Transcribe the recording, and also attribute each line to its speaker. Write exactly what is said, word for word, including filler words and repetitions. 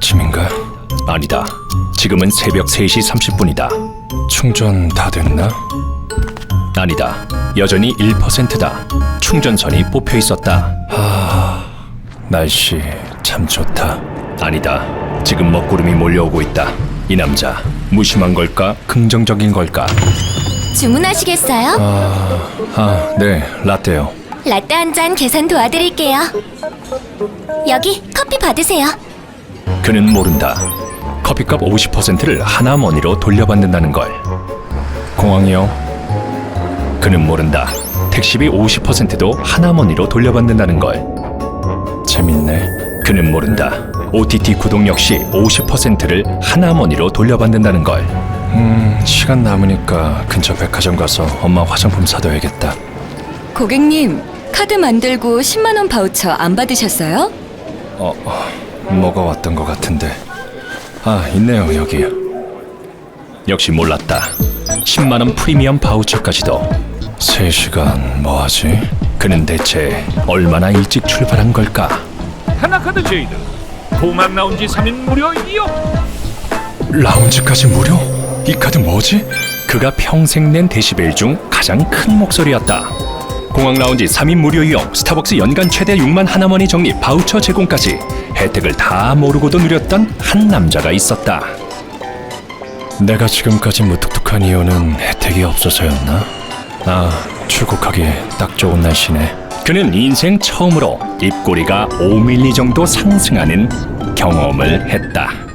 Speaker 1: 아침인가?
Speaker 2: 아니다. 지금은 새벽 세 시 삼십 분이다.
Speaker 1: 충전 다 됐나?
Speaker 2: 아니다. 여전히 일 퍼센트다. 충전선이 뽑혀 있었다.
Speaker 1: 날씨 참 좋다.
Speaker 2: 아니다. 지금 먹구름이 몰려오고 있다. 이 남자 무심한 걸까? 긍정적인 걸까?
Speaker 3: 주문하시겠어요?
Speaker 1: 아, 네, 라떼요.
Speaker 3: 라떼 한 잔 계산 도와드릴게요. 여기 커피 받으세요.
Speaker 2: 그는 모른다. 커피값 오십 퍼센트를 하나머니로 돌려받는다는 걸.
Speaker 1: 공항이요.
Speaker 2: 그는 모른다. 택시비 오십 퍼센트도 하나머니로 돌려받는다는 걸.
Speaker 1: 재밌네.
Speaker 2: 그는 모른다. 오티티 구독 역시 오십 퍼센트를 하나머니로 돌려받는다는 걸.
Speaker 1: 음, 시간 남으니까 근처 백화점 가서 엄마 화장품 사둬야겠다.
Speaker 4: 고객님, 카드 만들고 십만 원 바우처 안 받으셨어요?
Speaker 1: 어, 어, 뭐가 왔던 것 같은데. 아, 있네요, 여기.
Speaker 2: 역시 몰랐다. 십만 원 프리미엄 바우처까지도.
Speaker 1: 세 시간 뭐 하지?
Speaker 2: 그는 대체 얼마나 일찍 출발한 걸까?
Speaker 5: 하나카드 제이드 공항 라운지 삼 인 무료 이용.
Speaker 1: 라운지까지 무료? 이 카드 뭐지?
Speaker 2: 그가 평생 낸 데시벨 중 가장 큰 목소리였다. 공항 라운지 삼 인 무료 이용, 스타벅스 연간 최대 육만 하나머니 적립 바우처 제공까지 혜택을 다 모르고도 누렸던 한 남자가 있었다.
Speaker 1: 내가 지금까지 무뚝뚝한 이유는 혜택이 없어서였나? 아, 출국하기 딱 좋은 날씨네.
Speaker 2: 그는 인생 처음으로 입꼬리가 오 밀리미터 정도 상승하는 경험을 했다.